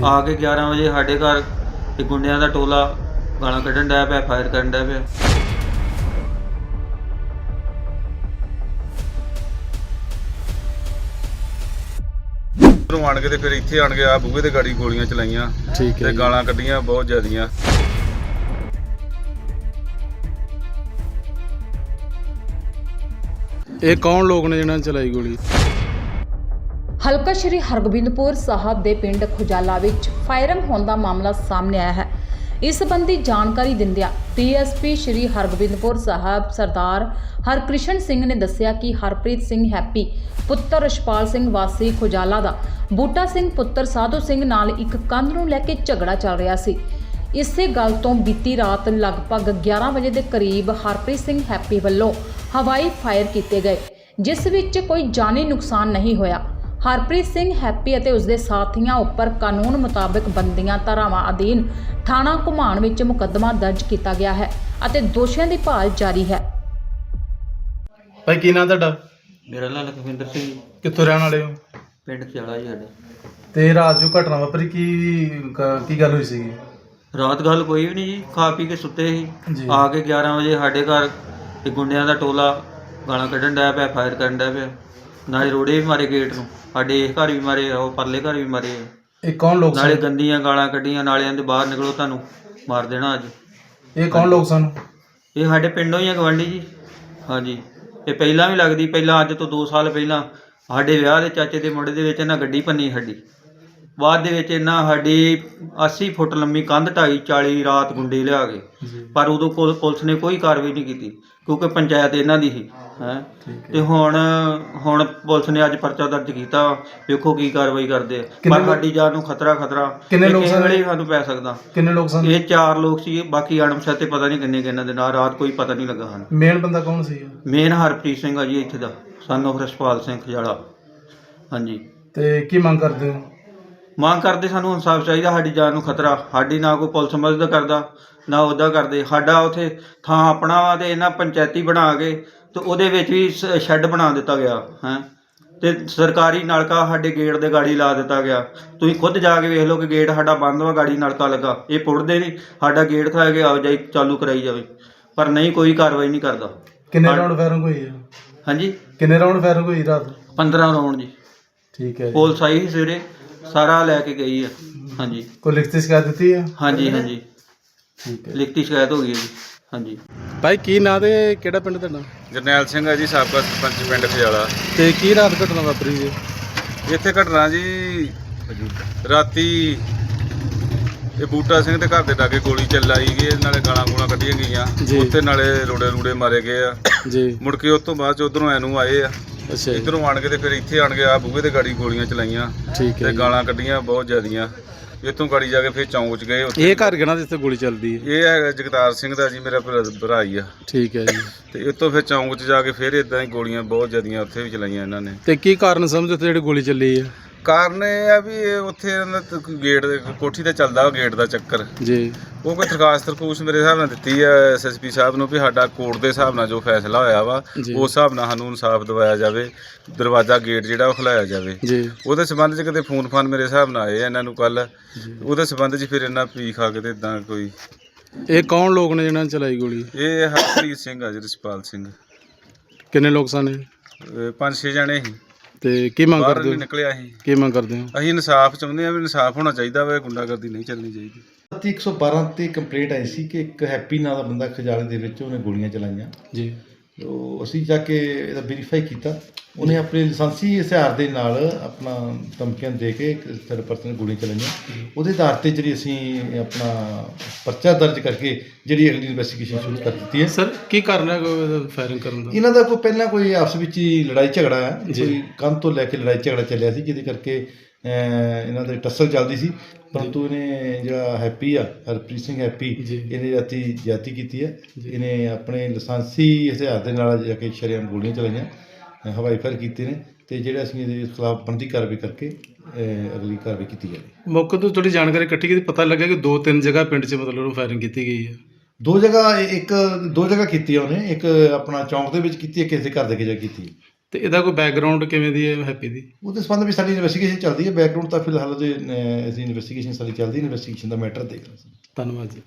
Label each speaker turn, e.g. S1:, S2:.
S1: आके 11 ਵਜੇ ਸਾਡੇ ਘਰ ਇੱਕ ਗੁੰਡਿਆਂ ਦਾ ਟੋਲਾ ਗਾਲਾਂ ਕੱਢਣ ਡਿਆ ਪਿਆ, ਫਾਇਰ ਕਰਨ ਡਿਆ ਪਿਆ।
S2: ਆਣ ਕੇ ਤੇ ਫਿਰ ਇੱਥੇ ਆਣ ਕੇ ਆ ਬੂਹੇ ਤੇ ਗਾੜੀ ਗੋਲੀਆਂ ਚਲਾਈਆਂ ਤੇ ਗਾਲਾਂ ਕੱਢੀਆਂ ਬਹੁਤ ਜ਼ਿਆਦੀਆਂ।
S3: ਇਹ ਕੌਣ ਲੋਕ ਨੇ ਜਿਹਨਾਂ ਨੇ ਚਲਾਈ ਗੋਲੀ?
S4: ਹਲਕਾ ਸ਼੍ਰੀ ਹਰਗੋਬਿੰਦਪੁਰ ਸਾਹਿਬ ਦੇ ਪਿੰਡ ਖੁਜਾਲਾ ਵਿੱਚ ਫਾਇਰਿੰਗ ਹੋਣ ਦਾ ਮਾਮਲਾ ਸਾਹਮਣੇ ਆਇਆ ਹੈ। ਇਸ ਸੰਬੰਧੀ ਜਾਣਕਾਰੀ ਦਿੰਦਿਆਂ ਡੀਐਸਪੀ ਸ਼੍ਰੀ ਹਰਗੋਬਿੰਦਪੁਰ ਸਾਹਿਬ ਸਰਦਾਰ ਹਰਕ੍ਰਿਸ਼ਨ ਸਿੰਘ ਨੇ ਦੱਸਿਆ ਕਿ ਹਰਪ੍ਰੀਤ ਸਿੰਘ ਹੈਪੀ ਪੁੱਤਰ ਰਸ਼ਪਾਲ ਸਿੰਘ ਵਾਸੀ ਖੁਜਾਲਾ ਦਾ ਬੂਟਾ ਸਿੰਘ ਪੁੱਤਰ ਸਾਧੂ ਸਿੰਘ ਨਾਲ ਇੱਕ ਕੰਧ ਨੂੰ ਲੈ ਕੇ ਝਗੜਾ ਚੱਲ ਰਿਹਾ ਸੀ। ਇਸੇ ਗੱਲ ਤੋਂ ਬੀਤੀ ਰਾਤ ਲਗਭਗ 11 ਵਜੇ ਦੇ ਕਰੀਬ ਹਰਪ੍ਰੀਤ ਸਿੰਘ ਹੈਪੀ ਵੱਲੋਂ ਹਵਾਈ ਫਾਇਰ ਕੀਤੇ ਗਏ, ਜਿਸ ਵਿੱਚ ਕੋਈ ਜਾਨੀ ਨੁਕਸਾਨ ਨਹੀਂ ਹੋਇਆ। ਹਰਪ੍ਰੀਤ ਸਿੰਘ ਹੈਪੀ ਅਤੇ ਉਸਦੇ ਸਾਥੀਆਂ ਉੱਪਰ ਕਾਨੂੰਨ ਮੁਤਾਬਕ ਬੰਦੀਆਂ ਧਾਰਾਵਾਂ ਅਧੀਨ ਥਾਣਾ ਘੁਮਾਣ ਵਿੱਚ ਮੁਕੱਦਮਾ ਦਰਜ ਕੀਤਾ ਗਿਆ ਹੈ ਅਤੇ ਦੋਸ਼ੀਆਂ ਦੀ ਭਾਲ ਜਾਰੀ ਹੈ।
S3: ਭਾਈ ਕੀ ਨਾਂ ਤੁਹਾਡਾ?
S1: ਮੇਰਾ ਨਾਂ ਲਖਵਿੰਦਰ ਸਿੰਘ,
S3: ਕਿੱਥੋਂ ਰਹਿਣ ਵਾਲੇ ਹੋ?
S1: ਪਿੰਡ ਖਿਆਲਾ ਜੀ ਸਾਡਾ।
S3: ਤੇ ਰਾਤ ਜੋ ਘਟਨਾ ਵਾਪਰੀ ਕੀ ਗੱਲ ਹੋਈ ਸੀਗੀ?
S1: ਰਾਤ ਗੱਲ ਕੋਈ ਵੀ ਨਹੀਂ ਜੀ, ਖਾ ਪੀ ਕੇ ਸੁੱਤੇ
S3: ਜੀ।
S1: ਸੀ। ਆ ਕੇ 11 ਵਜੇ ਸਾਡੇ ਘਰ ਇੱਕ ਗੁੰਡਿਆਂ ਦਾ ਟੋਲਾ ਗਾਲਾਂ ਕੱਢਣ ਡਿਆ ਪਿਆ, ਫਾਇਰ ਕਰਨ ਡਿਆ ਪਿਆ। ਨਾਲੇ ਰੋੜੇ ਵੀ ਮਾਰੇ ਗੇਟ ਨੂੰ, ਸਾਡੇ ਇਸ ਘਰ ਵੀ ਮਾਰੇ, ਉਹ ਪਰਲੇ ਘਰ ਵੀ ਮਾਰੇ।
S3: ਇਹ ਕੌਣ ਲੋਕ
S1: ਨਾਲੇ
S3: ਸਨ?
S1: ਗੰਦੀਆਂ ਗਾਲਾਂ ਕੱਢੀਆਂ, ਨਾਲੇ ਕਹਿੰਦੇ ਬਾਹਰ ਨਿਕਲੋ ਤੁਹਾਨੂੰ ਮਾਰ ਦੇਣਾ ਅੱਜ।
S3: ਇਹ ਕੌਣ ਲੋਕ ਸਨ?
S1: ਇਹ ਸਾਡੇ ਪਿੰਡੋਂ ਹੀ ਆ, ਗਵਾਂਢੀ ਜੀ। ਹਾਂਜੀ, ਇਹ ਪਹਿਲਾਂ ਵੀ ਲੱਗਦੀ, ਪਹਿਲਾਂ ਅੱਜ ਤੋਂ 2 ਸਾਲ ਪਹਿਲਾਂ ਸਾਡੇ ਵਿਆਹ ਦੇ ਚਾਚੇ ਦੇ ਮੁੰਡੇ ਦੇ ਵਿੱਚ ਇਹਨਾਂ ਗੱਡੀ ਭੰਨੀ ਸਾਡੀ। ਬਾਅਦ ਦੇ ਵਿੱਚ ਇਹਨਾਂ ਸਾਡੀ 80 ਫੁੱਟ ਲੰਮੀ ਕੰਧ ਢਾਈ 40 ਰਾਤ ਗੁੰਡੇ ਲਿਆ ਕੇ, ਪਰ ਉਦੋਂ ਪੁਲਿਸ ਨੇ ਕੋਈ ਕਾਰਵਾਈ ਨਹੀਂ ਕੀਤੀ ਕਿਉਂਕਿ ਪੰਚਾਇਤ ਇਹਨਾਂ ਦੀ ਸੀ ਹੈ। ਤੇ ਹੁਣ ਪੁਲਿਸ ਨੇ ਅੱਜ ਪਰਚਾ ਦਰਜ ਕੀਤਾ, ਵੇਖੋ ਕੀ ਕਾਰਵਾਈ ਕਰਦੇ ਆ। ਪਰ ਸਾਡੀ ਜਾਨ ਨੂੰ ਖਤਰਾ
S3: ਕਿੰਨੇ ਲੋਕ ਸਨ?
S1: ਵੇਲੇ ਸਾਨੂੰ ਪੈ ਸਕਦਾ।
S3: ਕਿੰਨੇ ਲੋਕ ਸਨ?
S1: ਇਹ 4 ਲੋਕ ਸੀ, ਬਾਕੀ ਅਣਪਛਾਤੇ ਪਤਾ ਨਹੀਂ ਕਿੰਨੇ ਕਿੰਨਾਂ ਦੇ ਨਾਲ, ਰਾਤ ਕੋਈ ਪਤਾ ਨਹੀਂ ਲੱਗਾ ਸਾਨੂੰ।
S3: ਮੇਨ ਬੰਦਾ ਕੌਣ ਸੀ?
S1: ਮੇਨ ਹਰਪ੍ਰੀਤ ਸਿੰਘ ਆ ਜੀ, ਇੱਥੇ ਦਾ ਸਨ ਆਫ ਰਸ਼ਪਾਲ ਸਿੰਘ ਖਜਾਲਾ। ਹਾਂਜੀ,
S3: ਤੇ ਕੀ ਮੰਗ ਕਰਦੇ ਹੋ?
S1: ਮੰਗ ਕਰਦੇ ਸਾਨੂੰ ਇਨਸਾਫ ਚਾਹੀਦਾ, ਸਾਡੀ ਜਾਨ ਨੂੰ ਖਤਰਾ। ਸਾਡੀ ਨਾ ਕੋਈ ਪੁਲਿਸ ਮਦਦ ਕਰਦਾ ਨਾ ਉਹਦਾ ਕਰਦੇ। ਸਾਡਾ ਉੱਥੇ ਥਾਂ ਆਪਣਾ ਵਾ ਤੇ ਇਹਨਾਂ ਪੰਚਾਇਤੀ ਬਣਾ ਕੇ ਤੇ ਉਹਦੇ ਵਿੱਚ ਵੀ ਸ਼ੈੱਡ ਬਣਾ ਦਿੱਤਾ ਗਿਆ ਹੈ, ਤੇ ਸਰਕਾਰੀ ਨਲਕਾ ਸਾਡੇ ਗੇਟ ਦੇ ਗਾੜੀ ਲਾ ਦਿੱਤਾ ਗਿਆ। ਤੁਸੀਂ ਖੁਦ ਜਾ ਕੇ ਵੇਖ ਲਓ ਕਿ ਗੇਟ ਸਾਡਾ ਬੰਦ ਵਾ, ਗਾੜੀ ਨਲਕਾ ਲੱਗਾ। ਇਹ ਪੁੱਟਦੇ ਨਹੀਂ, ਸਾਡਾ ਗੇਟ ਖਾ ਕੇ ਆਵਾਜਾਈ ਚਾਲੂ ਕਰਾਈ ਜਾਵੇ, ਪਰ ਨਹੀਂ, ਕੋਈ ਕਾਰਵਾਈ ਨਹੀਂ ਕਰਦਾ।
S3: ਕਿੰਨੇ ਰਾਉਂਡ ਫਾਇਰਿੰਗ ਹੋਈ ਹੈ?
S1: ਹਾਂਜੀ,
S3: ਕਿੰਨੇ ਰਾਉਂਡ ਫਾਇਰਿੰਗ ਹੋਈ ਰਾਤ?
S1: 15 ਰਾਉਂਡ ਜੀ।
S3: ਠੀਕ ਹੈ।
S1: ਪੁਲਿਸ ਆਈ ਸੀ ਸਵੇਰੇ, ਸਾਰਾ ਲੈ ਕੇ ਗਈ ਆ। ਹਾਂਜੀ,
S3: ਕੋਈ ਲਿਖਤੀ ਸ਼ਿਕਾਇਤ ਦਿੱਤੀ ਹੈ?
S1: ਹਾਂਜੀ ਹਾਂਜੀ,
S3: ਠੀਕ ਹੈ।
S1: ਲਿਖਤੀ ਸ਼ਿਕਾਇਤ ਹੋ ਗਈ ਹੈ ਜੀ। ਹਾਂਜੀ।
S3: ਭਾਈ ਕੀ ਨਾਂ ਤੇ ਕਿਹੜਾ ਪਿੰਡ ਤੁਹਾਡਾ?
S2: ਜਰਨੈਲ ਸਿੰਘ ਆ ਜੀ, ਸਾਬਕਾ ਸਰਪੰਚ ਪਿੰਡ ਖਿਆਲਾ।
S3: ਤੇ ਕੀ ਰਾਤ ਘਟਨਾ ਵਾਪਰੀ ਜੀ?
S2: ਇੱਥੇ ਘਟਨਾ ਜੀ ਰਾਤੀ ਇਹ ਬੂਟਾ ਸਿੰਘ ਦੇ ਘਰ ਦੇ ਲਾਗੇ ਗੋਲੀ ਚਲਾਈ ਗਈ, ਨਾਲੇ ਗਾਲਾਂ ਗੂਲਾਂ ਕੱਢੀਆਂ ਗਈਆਂ ਉੱਥੇ, ਨਾਲੇ ਰੋੜੇ ਮਾਰੇ ਗਏ ਆ ਜੀ। ਮੁੜ ਕੇ ਉਸ ਤੋਂ ਬਾਅਦ ਚ ਉਧਰੋਂ ਐਨੂੰ ਆਏ ਆ। ਅੱਛਾ, ਇੱਧਰੋਂ ਆਣ ਕੇ ਤੇ ਫਿਰ ਇੱਥੇ ਆਣ ਕੇ ਆ ਬੂਹੇ ਤੇ ਗਾੜੀ ਗੋਲੀਆਂ ਚਲਾਈਆਂ ਤੇ ਗਾਲਾਂ ਕੱਢੀਆਂ ਬਹੁਤ ਜ਼ਿਆਦੀਆਂ। ਇੱਥੋਂ ਗਾੜੀ ਜਾ ਕੇ ਫਿਰ ਚੌਂਕ ਚ ਗਏ।
S3: ਇਹ ਘਰ ਕਿਹਨਾਂ ਦੇ ਇੱਥੇ ਗੋਲੀ ਚੱਲਦੀ ਹੈ?
S2: ਇਹ ਹੈਗਾ ਜਗਤਾਰ ਸਿੰਘ ਦਾ ਜੀ, ਮੇਰਾ ਭਰਾ ਹੀ ਆ। ਠੀਕ ਹੈ ਜੀ। ਤੇ ਇੱਥੋਂ ਫਿਰ ਚੌਂਕ ਚ ਜਾ ਕੇ ਫਿਰ ਇਦਾਂ ਹੀ ਗੋਲੀਆਂ ਬਹੁਤ ਜ਼ਿਆਦੀਆਂ ਉੱਥੇ ਵੀ ਚਲਾਈਆਂ ਇਹਨਾਂ ਨੇ। ਤੇ
S3: ਕੀ ਕਾਰਨ ਸਮਝੋ ਉੱਥੇ ਜਿਹੜੀ ਗੋਲੀ ਚੱਲੀ ਹੈ?
S2: ਕਾਰਨ ਇਹ ਆ ਵੀ ਇਹ ਉੱਥੇ ਗੇਟ ਦੇ ਕੋਠੀ ਤੇ ਚੱਲਦਾ ਗੇਟ ਦਾ ਚੱਕਰ ਜੀ। ਉਹ ਕੋਈ ਦਰਖਾਸਤ ਮੇਰੇ ਹਿਸਾਬ ਨਾਲ ਦਿੱਤੀ ਆ ਐਸਐਸਪੀ ਸਾਹਿਬ ਨੂੰ ਵੀ ਸਾਡਾ ਕੋਰਟ ਦੇ ਹਿਸਾਬ ਨਾਲ ਜੋ ਫੈਸਲਾ ਹੋਇਆ ਵਾ ਉਸ ਹਿਸਾਬ ਨਾਲ ਸਾਨੂੰ ਇਨਸਾਫ ਦਿਵਾਇਆ ਜਾਵੇ, ਦਰਵਾਜ਼ਾ ਗੇਟ ਜਿਹੜਾ ਉਹ ਖੁਲਾਇਆ ਜਾਵੇ ਜੀ। ਉਹਦੇ ਸੰਬੰਧ 'ਚ ਕਿਤੇ ਫੋਨ ਮੇਰੇ ਹਿਸਾਬ ਨਾਲ ਆਏ ਇਹਨਾਂ ਨੂੰ ਕੱਲ, ਉਹਦੇ ਸੰਬੰਧ 'ਚ ਫਿਰ ਇਹਨਾਂ ਪੀ ਖਾ ਕੇ ਤੇ ਇਦਾਂ ਕੋਈ।
S3: ਇਹ ਕੌਣ ਲੋਕ ਨੇ ਜਿਹਨਾਂ ਨੇ ਚਲਾਈ ਗੋਲੀ?
S2: ਇਹ ਹਰਪ੍ਰੀਤ ਸਿੰਘ ਆ ਜੀ, ਰਸ਼ਪਾਲ ਸਿੰਘ।
S3: ਕਿੰਨੇ ਲੋਕ ਸਨ?
S2: 5-6 ਜਣੇ ਸੀ। ਤੇ
S3: ਕੀ ਮੰਗ ਕਰਦੇ ਹੋ?
S2: ਨਿਕਲਿਆ ਸੀ।
S3: ਕੀ ਮੰਗ ਕਰਦੇ ਹੋ?
S2: ਅਸੀਂ ਇਨਸਾਫ ਚਾਹੁੰਦੇ ਹਾਂ ਵੀ ਇਨਸਾਫ ਹੋਣਾ ਚਾਹੀਦਾ ਵਾ, ਗੁੰਡਾਗਰਦੀ ਨਹੀਂ ਚੱਲਣੀ ਚਾਹੀਦੀ।
S5: 112 ਤੇ ਕੰਪਲੇਂਟ ਆਈ ਸੀ ਕਿ ਇੱਕ ਹੈਪੀ ਨਾਂ ਦਾ ਬੰਦਾ ਖਜਾਲੇ ਦੇ ਵਿੱਚ ਉਹਨੇ ਗੋਲੀਆਂ ਚਲਾਈਆਂ ਜੀ। ਉਹ ਅਸੀਂ ਜਾ ਕੇ ਇਹਦਾ ਵੈਰੀਫਾਈ ਕੀਤਾ, ਉਹਨੇ ਆਪਣੇ ਲਾਇਸੈਂਸੀ ਹਥਿਆਰ ਦੇ ਨਾਲ ਆਪਣਾ ਧਮਕੀਆਂ ਦੇ ਕੇ ਇੱਕ ਥਰਡ ਪਰਸਨ ਨੇ ਗੋਲੀਆਂ ਚਲਾਈਆਂ। ਉਹਦੇ ਆਧਾਰ 'ਤੇ ਜਿਹੜੀ ਅਸੀਂ ਆਪਣਾ ਪਰਚਾ ਦਰਜ ਕਰਕੇ ਜਿਹੜੀ ਅਗਲੀ ਇਨਵੈਸਟੀਗੇਸ਼ਨ ਸ਼ੁਰੂ ਕਰ ਦਿੱਤੀ ਹੈ।
S3: ਸਰ ਕੀ ਕਾਰਨ ਹੈ ਫਾਇਰਿੰਗ ਕਰਨ ਦਾ?
S5: ਇਹਨਾਂ ਦਾ ਕੋਈ ਪਹਿਲਾਂ ਕੋਈ ਆਪਸ ਵਿੱਚ ਹੀ ਲੜਾਈ ਝਗੜਾ ਹੈ, ਕੋਈ ਕੰਧ ਤੋਂ ਲੈ ਕੇ ਲੜਾਈ ਝਗੜਾ ਚੱਲਿਆ ਸੀ, ਜਿਹਦੇ ਕਰਕੇ ਇਹਨਾਂ ਦੀ ਟੱਸਲ ਚੱਲਦੀ ਸੀ। ਪਰੰਤੂ ਇਹਨੇ ਜਿਹੜਾ ਹੈਪੀ ਆ, ਹਰਪ੍ਰੀਤ ਸਿੰਘ ਹੈਪੀ, ਇਹਨੇ ਰਾਤੀ ਜ਼ਿਆਦਤੀ ਕੀਤੀ ਹੈ। ਇਹਨੇ ਆਪਣੇ ਲਾਇਸੈਂਸੀ ਹਥਿਆਰ ਦੇ ਨਾਲ ਜਾ ਕੇ ਸ਼ਰੇਆਮ ਗੋਲੀਆਂ ਚਲਾਈਆਂ, ਹਵਾਈ ਫਾਇਰ ਕੀਤੇ ਨੇ, ਤੇ ਜਿਹੜਾ ਅਸੀਂ ਇਹਦੇ ਖਿਲਾਫ ਬਣਦੀ ਕਾਰਵਾਈ ਕਰਕੇ ਅਗਲੀ ਕਾਰਵਾਈ ਕੀਤੀ ਜਾਵੇ।
S3: ਮੌਕੇ ਤੋਂ ਥੋੜੀ ਜਾਣਕਾਰੀ ਇਕੱਠੀ ਕੀਤੀ, ਪਤਾ ਲੱਗਾ ਕਿ 2-3 ਜਗ੍ਹਾ ਪਿੰਡ 'ਚ ਮਤਲਬ ਫਾਇਰਿੰਗ ਕੀਤੀ ਗਈ ਹੈ।
S5: 2 ਜਗ੍ਹਾ ਕੀਤੀ ਉਹਨੇ, ਇੱਕ ਆਪਣਾ ਚੌਂਕ ਦੇ ਵਿੱਚ ਕੀਤੀ ਹੈ, ਕਿਸੇ ਦੇ ਘਰ ਦੇ ਕੇ ਜਾ ਕੀਤੀ।
S3: ਤੇ ਇਹਦਾ ਕੋਈ ਬੈਕਗ੍ਰਾਉਂਡ ਕਿਵੇਂ ਦੀ ਹੈ ਹੈਪੀ ਦੀ?
S5: ਉਹਦੇ ਸੰਬੰਧ ਵਿੱਚ ਸਾਡੀ ਇਨਵੈਸਟੀਗੇਸ਼ਨ ਚੱਲਦੀ ਹੈ। ਬੈਕਗ੍ਰਾਉਂਡ ਤਾਂ ਫਿਲਹਾਲ ਉਹਦੇ ਅਸੀਂ ਇਨਵੈਸਟੀਗੇਸ਼ਨ ਸਾਡੀ ਚੱਲਦੀ, ਇਨਵੈਸਟੀਗੇਸ਼ਨ ਦਾ ਮੈਟਰ ਦੇਖ ਰਹੇ ਸੀ।
S3: ਧੰਨਵਾਦ ਜੀ।